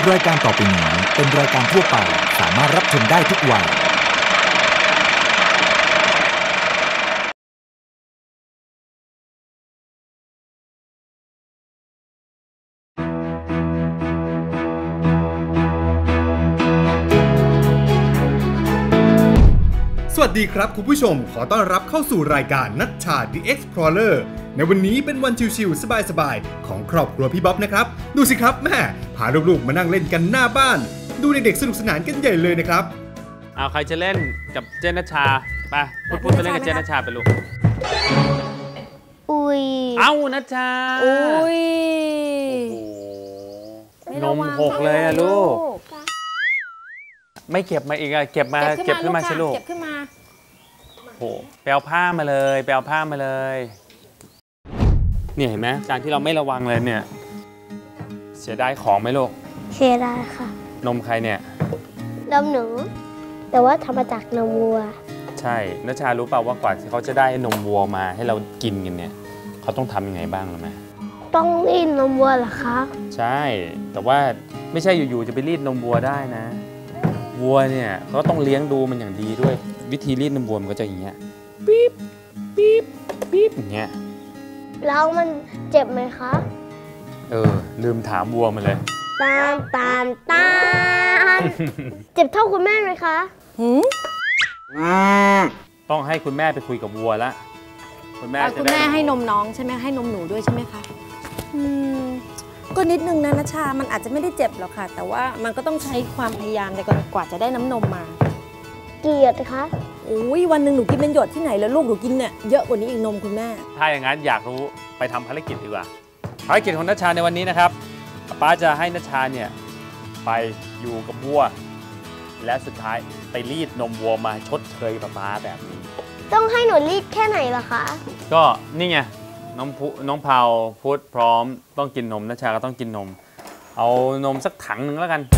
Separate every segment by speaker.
Speaker 1: รายการต่อไปนี้เป็นรายการทั่วไปสามารถรับชมได้ทุกวัย
Speaker 2: สวัสดีครับคุณผู้ชมขอต้อนรับเข้าสู่รายการนัชชา The Explorer ในวันนี้เป็นวันชิลๆสบายๆของครอบครัวพี่บ๊อบนะครับดูสิครับแม่พาลูกๆมานั่งเล่นกันหน้าบ้านดูเด็กๆสนุกสนานกันใหญ่เลยนะครับ
Speaker 3: เอาใครจะเล่นกับเจนนัชชาไปพูดไปเล่นกับเจนนัชชาไปลูก
Speaker 4: อุ้ย
Speaker 3: เอานัชชา
Speaker 4: อุ้ย
Speaker 3: นมหกเลยอะลูกไม่เก็บมาอีกอะเก็บขึ้นมาสิลูก
Speaker 4: เก็บขึ้นมา
Speaker 3: โอ้ไปเอาผ้ามาเลยเนี่ยเห็นไหมการที่เราไม่ระวังเลยเนี่ยเสียดายของไหมลูก
Speaker 4: เสียดายค่ะ
Speaker 3: นมใครเนี่ย
Speaker 4: นมหนูแต่ว่าทำมาจากนมวัว
Speaker 3: ใช่นัชชารู้เปล่าว่ากว่าที่เขาจะได้นมวัวมาให้เรากินกันเนี่ยเขาต้องทำยังไงบ้างรู้ไหม
Speaker 4: ต้องรีดนมวัวเหรอคะ
Speaker 3: ใช่แต่ว่าไม่ใช่อยู่ๆจะไปรีดนมวัวได้นะวัวเนี่ยเขาต้องเลี้ยงดูมันอย่างดีด้วยวิธีรีดนมวัวมันก็จะอย่างเงี้ยปี๊บปี๊บปี๊บอย่างเงี้ย
Speaker 4: แล้วมันเจ็บไหมคะ
Speaker 3: ลืมถามวัวมันเลย
Speaker 4: ตาเจ็บเท่าคุณแม่ไหมคะ
Speaker 3: ต้องให้คุณแม่ไปคุยกับวัวละ
Speaker 5: คุณแม่ให้นมน้องใช่ไหมให้นมหนูด้วยใช่ไหมคะก็นิดนึงนะนัชชามันอาจจะไม่ได้เจ็บหรอกค่ะแต่ว่ามันก็ต้องใช้ความพยายามในการกว่าจะได้น้ำนมมา
Speaker 4: กี่หยดคะ
Speaker 5: โอ้ยวันหนึ่งหนูกินเป็นหยดที่ไหนแล้วลูกหนูกินเนี่ยเยอะกว่านี้อีกนมคุณแม่
Speaker 3: ถ้าอย่างนั้นอยากรู้ไปทำภารกิจดีกว่าภารกิจของนัชชาในวันนี้นะครับป้าจะให้นัชชาเนี่ยไปอยู่กับวัวและสุดท้ายไปรีดนมวัวมาชดเชยป้าแบบนี้
Speaker 4: ต้องให้หนูรีดแค่ไหนล่ะคะ
Speaker 3: ก็นี่ไงน้องเผาพุทธพร้อมต้องกินนมนัชชาก็ต้องกินนมเอานมสักถังหนึ่งแล้วกัน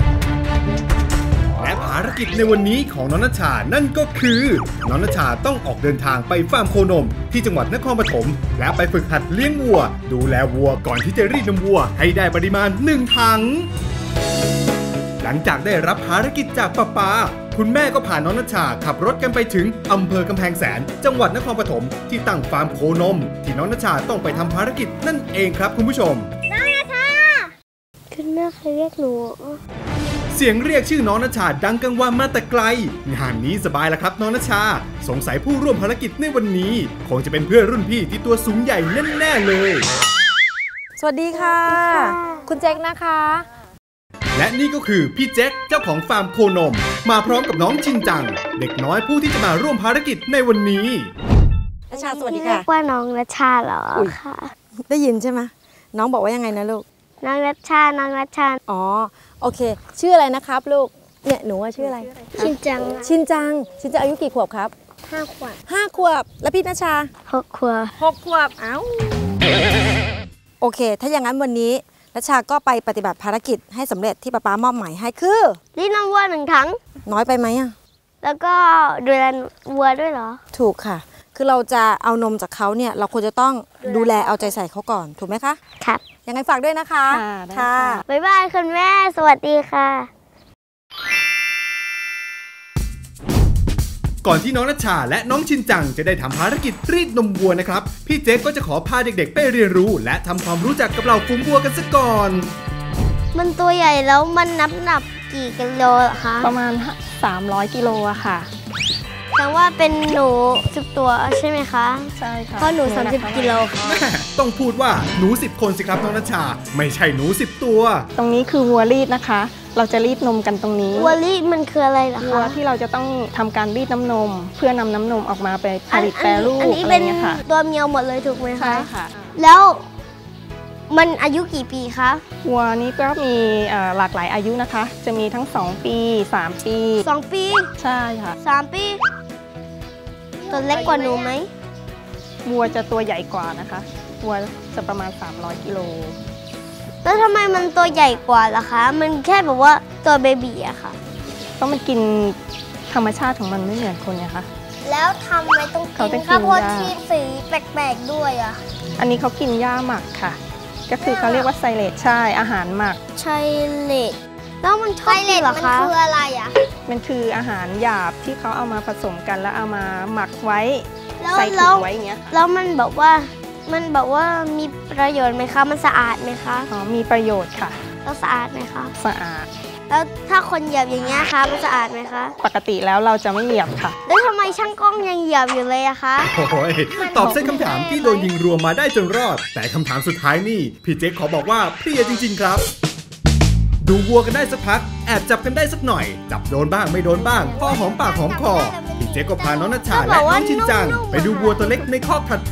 Speaker 2: และภารกิจในวันนี้ของน้องนัชชานั่นก็คือน้องนัชชาต้องออกเดินทางไปฟาร์มโคนมที่จังหวัดนครปฐมและไปฝึกหัดเลี้ยงวัวดูแลวัวก่อนที่จะรีดนมวัวให้ได้ปริมาณ1ถังหลังจากได้รับภารกิจจากป้าคุณแม่ก็พาน้องนัชชาขับรถกันไปถึงอำเภอกำแพงแสนจังหวัดนครปฐมที่ตั้งฟาร์มโคนมที่น้องนัชชาต้องไปทำภารกิจนั่นเองครับคุณผู้ชม
Speaker 4: น้องนัชชาคุณแม่เคยเรียกหนู
Speaker 2: เสียงเรียกชื่อน้องนัชชาดังกังวานมาแต่ไกลงานนี้สบายแล้วครับน้องนัชชาสงสัยผู้ร่วมภารกิจในวันนี้คงจะเป็นเพื่อนรุ่นพี่ที่ตัวสูงใหญ่แน่ๆเลย
Speaker 5: สวัสดีค่ะคุณแจ็คนะคะ
Speaker 2: และนี่ก็คือพี่แจ็คเจ้าของฟาร์มโคนมมาพร้อมกับน้องชินจังเด็กน้อยผู้ที่จะมาร่วมภารกิจในวันนี้
Speaker 5: นัชชาสวัสดีค่ะเรี
Speaker 4: ยกว่าน้องนัชชาเหรอค่ะ
Speaker 5: ได้ยินใช่ไหมน้องบอกว่ายังไงนะลูก
Speaker 4: น้องนัชชา
Speaker 5: อ๋อโอเคชื่ออะไรนะครับลูกเนี่ยหนูว่าชื่ออะไร
Speaker 4: ชินจัง
Speaker 5: อายุกี่ขวบครับ5 ขวบแล้วพี่นัชชา
Speaker 4: 6 ขว
Speaker 5: บเอ้าโอเคถ้าอย่างนั้นวันนี้นัชชาก็ไปปฏิบัติภารกิจให้สำเร็จที่ป้ามอบหมายให้คือ
Speaker 4: รีดนมวัว1 ถัง
Speaker 5: น้อยไปไหมอ่ะ
Speaker 4: แล้วก็ดูแลวัวด้วยเหรอ
Speaker 5: ถูกค่ะคือเราจะเอานมจากเขาเนี่ยเราควรจะต้องดูแลเอาใจใส่เขาก่อนถูกไหมคะ
Speaker 4: ครับ
Speaker 5: ยังไงฝากด้วยนะคะ
Speaker 4: ค่ะบ๊ายบายคุณแม่สวัสดีค่ะ
Speaker 2: ก่อนที่น้องนัชชาและน้องชินจังจะได้ทำภารกิจรีดนมวัวนะครับพี่เจ๊ก็จะขอพาเด็กๆไปเรียนรู้และทำความรู้จักกับเหล่าฝูงวัวกันซะก่อน
Speaker 4: มันตัวใหญ่แล้วมันนับกี่กิโลคะ
Speaker 5: ประมาณ300 กิโลอะค่ะ
Speaker 4: แต่ว่าเป็นหนู10 ตัวใช่ไหมคะ
Speaker 5: ใช่ค่ะ
Speaker 4: เพราะหนู30 กิโลค่ะ
Speaker 2: ต้องพูดว่าหนู10 คนสิครับน้องนัชชาไม่ใช่หนู10 ตัว
Speaker 5: ตรงนี้คือวัวรีดนะคะเราจะรีดนมกันตรงนี้
Speaker 4: วัวรีดมันคืออะไรล่ะคะ
Speaker 5: วัวที่เราจะต้องทำการรีดน้ำนมเพื่อนำน้ำนมออกมาไปผลิตแปรรูป
Speaker 4: อะไรเงี้ยค่ะตัวเมียวหมดเลยถูกไหมคะ
Speaker 5: ใช่ค่ะ
Speaker 4: แล้วมันอายุกี่ปีคะ
Speaker 5: วัวนี้ก็มีหลากหลายอายุนะคะจะมีทั้ง2 ปี3 ปี
Speaker 4: 2 ปี
Speaker 5: ใช่ค่ะ
Speaker 4: 3 ปีตัวเล็กกว่าหนูไหม
Speaker 5: วัวจะตัวใหญ่กว่านะคะวัวจะประมาณ300 กิโล
Speaker 4: แล้วทำไมมันตัวใหญ่กว่าล่ะคะมันแค่แบบว่าตัวเบบีอะค่ะ
Speaker 5: เพราะมันกินธรรมชาติของมันไม่เหมือนคนไงคะ
Speaker 4: แล้วทำไมต้องกินข้าวโพดที่สีแปลกๆด้วยอะ
Speaker 5: อันนี้เขากินหญ้าหมักค่ะ
Speaker 6: ก็คือเขาเรียกว่าไซเลตใช่อาหารหมัก
Speaker 4: ไชเลตแล้วมันชอบกินเหรอคะมันคืออะไรอ่ะ
Speaker 6: มันคืออาหารหยาบที่เขาเอามาผสมกันแล้วเอามาหมักไว้
Speaker 4: แล้ว
Speaker 6: ใส่ถุงไว้อย่างเงี้ย
Speaker 4: แล้วมันแบบว่ามีประโยชน์ไหมคะมันสะอาดไหมคะ
Speaker 6: อ๋อมีประโยชน์ค่ะ
Speaker 4: แล้วสะอาดไหมคะ
Speaker 6: สะอาด
Speaker 4: แล้วถ้าคนเหยียบอย่างเงี้ยคะมันสะอาดไหมคะ
Speaker 6: ปกติแล้วเราจะไม่เหยียบค่ะ
Speaker 4: แล้วทำไมช่างกล้องยังเหยียบอยู่เลยอะคะ
Speaker 2: โอ้ยตอบเส้นคำถามที่โดนยิงรวมมาได้จนรอด แต่คำถามสุดท้ายนี่พี่เจ๊กขอบอกว่าเพลียจริงๆครับ ดูวัวกันได้สักพักแอบจับกันได้สักหน่อย จับโดนบ้างไม่โดนบ้างพอหอมปากหอมคอพี่เจ๊กก็พาน้องนัชชาและน้องชินจังไปดูวัวตัวเล็กในคอกถัดไป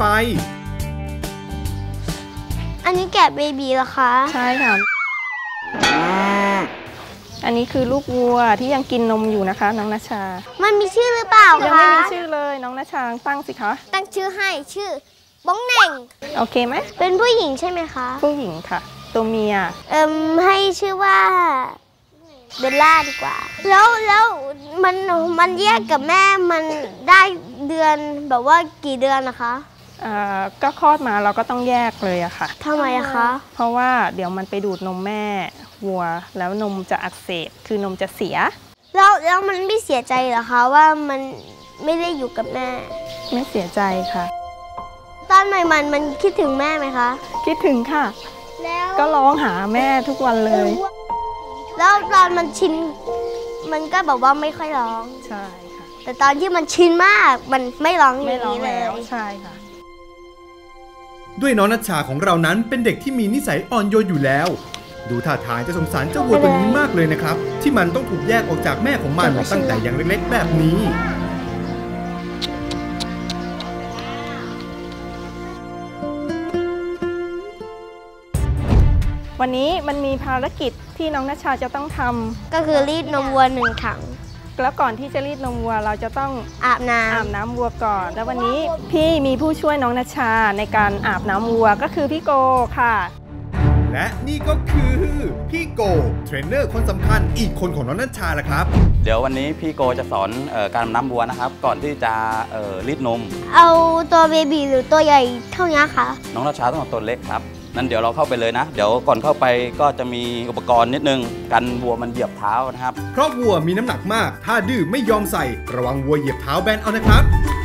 Speaker 4: อันนี้แกะเบบีเหรอคะ
Speaker 6: ใช่ค่ะ อันนี้คือลูกวัวที่ยังกินนมอยู่นะคะน้องนัชชา
Speaker 4: มันมีชื่อหรือเปล่า
Speaker 6: ยัง
Speaker 4: คะ
Speaker 6: ไม่มีชื่อเลยน้องนัชชาตั้งสิคะ
Speaker 4: ตั้งชื่อให้ชื่อบ้องเหน่ง
Speaker 6: โอเคไหม
Speaker 4: เป็นผู้หญิงใช่ไหมคะ
Speaker 6: ผู้หญิงค่ะ ตัวเมีย
Speaker 4: ให้ชื่อว่าเบลล่าดีกว่า แล้วมันแยกกับแม่มันได้เดือนแบบว่ากี่เดือนนะคะ
Speaker 6: ก็คลอดมาเราก็ต้องแยกเลยอะค่ะ
Speaker 4: ทำไมอะคะ
Speaker 6: เพราะว่าเดี๋ยวมันไปดูดนมแม่วัวแล้วนมจะอักเสบคือนมจะเสีย
Speaker 4: แล้วมันไม่เสียใจเหรอคะว่ามันไม่ได้อยู่กับแม่
Speaker 6: ไม่เสียใจค่ะ
Speaker 4: ตอนใหม่มันคิดถึงแม่ไหมคะ
Speaker 6: คิดถึงค่ะ
Speaker 4: แล้ว
Speaker 6: ก็ร้องหาแม่ทุกวันเลย
Speaker 4: แล้วตอนมันชินมันก็แบบว่าไม่ค่อยร้อง
Speaker 6: ใช่ค่ะ
Speaker 4: แต่ตอนที่มันชินมากมันไม่ร้องอ
Speaker 6: ไม่
Speaker 4: ย่าง
Speaker 6: ร้อง
Speaker 4: นี้เล
Speaker 6: แล้ว
Speaker 4: ย
Speaker 6: ใช่ค่ะ
Speaker 2: ด้วยน้องนัชชาของเรานั้นเป็นเด็กที่มีนิสัยอ่อนโยนอยู่แล้ว ดูท่าทางจะสงสารเจ้าวัวตัวนี้มากเลยนะครับ ที่มันต้องถูกแยกออกจากแม่ของมันตั้งแต่ยังเล็กๆแบบนี้
Speaker 6: วันนี้มันมีภารกิจที่น้องนัชชาจะต้องทำ
Speaker 4: ก็คือรีดนมวัว1 ถัง
Speaker 6: แล้วก่อนที่จะรีดนมวัวเราจะต้อง
Speaker 4: อาบน้
Speaker 6: อาบน้ำวัวก่อน แล้ววันนี้พี่มีผู้ช่วยน้องนัชชาในการอาบน้ำวัวก็คือพี่โกค่ะ
Speaker 2: และนี่ก็คือพี่โกเทรนเนอร์คนสำคัญอีกคนของน้องนัชชาละครับ
Speaker 7: เดี๋ยววันนี้พี่โกจะสอนการอาบน้ำวัวนะครับ ก่อนที่จะรีดนม
Speaker 4: ำเอาตัวเบบีหรือตัวใหญ่เท่านี้คะ
Speaker 7: น้องราชาต้องเอาตัวเล็กครับนั่นเดี๋ยวเราเข้าไปเลยนะ เดี๋ยวก่อนเข้าไปก็จะมีอุปกรณ์นิดนึงกันวัวมันเหยียบเท้านะครับ
Speaker 2: เพราะวัวมีน้ำหนักมาก ถ้าดื้อไม่ยอมใส่ ระวังวัวเหยียบเท้าแบนเอานะครับ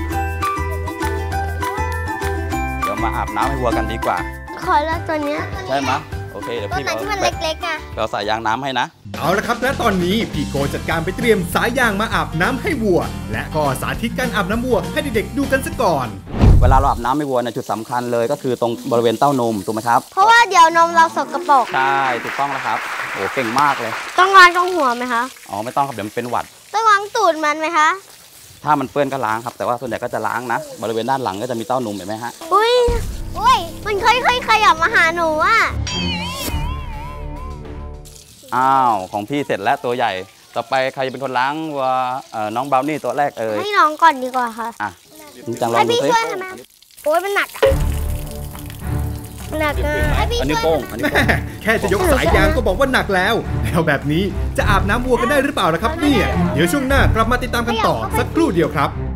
Speaker 7: เดี๋ยวมาอาบน้ำให้วัวกันดีกว่า
Speaker 4: ขอแล้วตัวเนี้ย
Speaker 7: ใช่ไหมโอเคเดี๋ยว
Speaker 4: ตัว
Speaker 7: พี่
Speaker 4: ไหนที่มันเล็กๆอะ
Speaker 7: เราใส่ยางน้ำให้นะ
Speaker 2: เอาละครับและตอนนี้พี่โกจัดการไปเตรียมสายยางมาอาบน้ำให้วัว และก็สาธิตการอาบน้ำวัวให้เด็กๆดูกันซะก่อน
Speaker 7: เวลาเราอาบน้ำให้วัวเนี่ยจุดสำคัญเลยก็คือตรงบริเวณเต้านมถูกไหมครับ
Speaker 4: เพราะว่าเดี๋ยวนมเราสกปรก
Speaker 7: ใช่ถูกต้องแล้วครับโอ้เก่งมากเลย
Speaker 4: ต้องล้างตรงหัวไหมคะ
Speaker 7: อ๋อไม่ต้องครับเดี๋ยวมันเป็นหวัด
Speaker 4: ต้องล้างตูดมันไหมคะ
Speaker 7: ถ้ามันเปื้อนก็ล้างครับแต่ว่าส่วนใหญ่ก็จะล้างนะ บริเวณด้านหลังก็จะมีเต้านมเห็นไหมฮะ
Speaker 4: อุ้ยมันค่อยๆขยับมาหาหนูอะ
Speaker 7: อ้าวของพี่เสร็จแล้วตัวใหญ่ ต่อไปใครจะเป็นคนล้างวัวน้องบราวนี่ตัวแรกเอ่ย
Speaker 4: ให้น้องก่อนดีกว่าค่ะ
Speaker 7: อ่ะจริงจังลอง
Speaker 4: ให้
Speaker 7: ดู
Speaker 4: พี่
Speaker 7: สิ
Speaker 4: ช่วยทำไมโอ้ยมันหนักอะหนักอะให้พี่
Speaker 7: อันนี้
Speaker 4: ช่วย
Speaker 7: โป้งอันนี้
Speaker 2: แม่
Speaker 7: โป้ง
Speaker 2: แค่จะยกสายยางก็บอกว่าหนักแล้วแล้วแบบนี้จะอาบน้ำวัวกันได้หรือเปล่าล่ะครับเนี่ยเดี๋ยวช่วงหน้ากลับมาติดตามกันต่อสักครู่เดียวครับ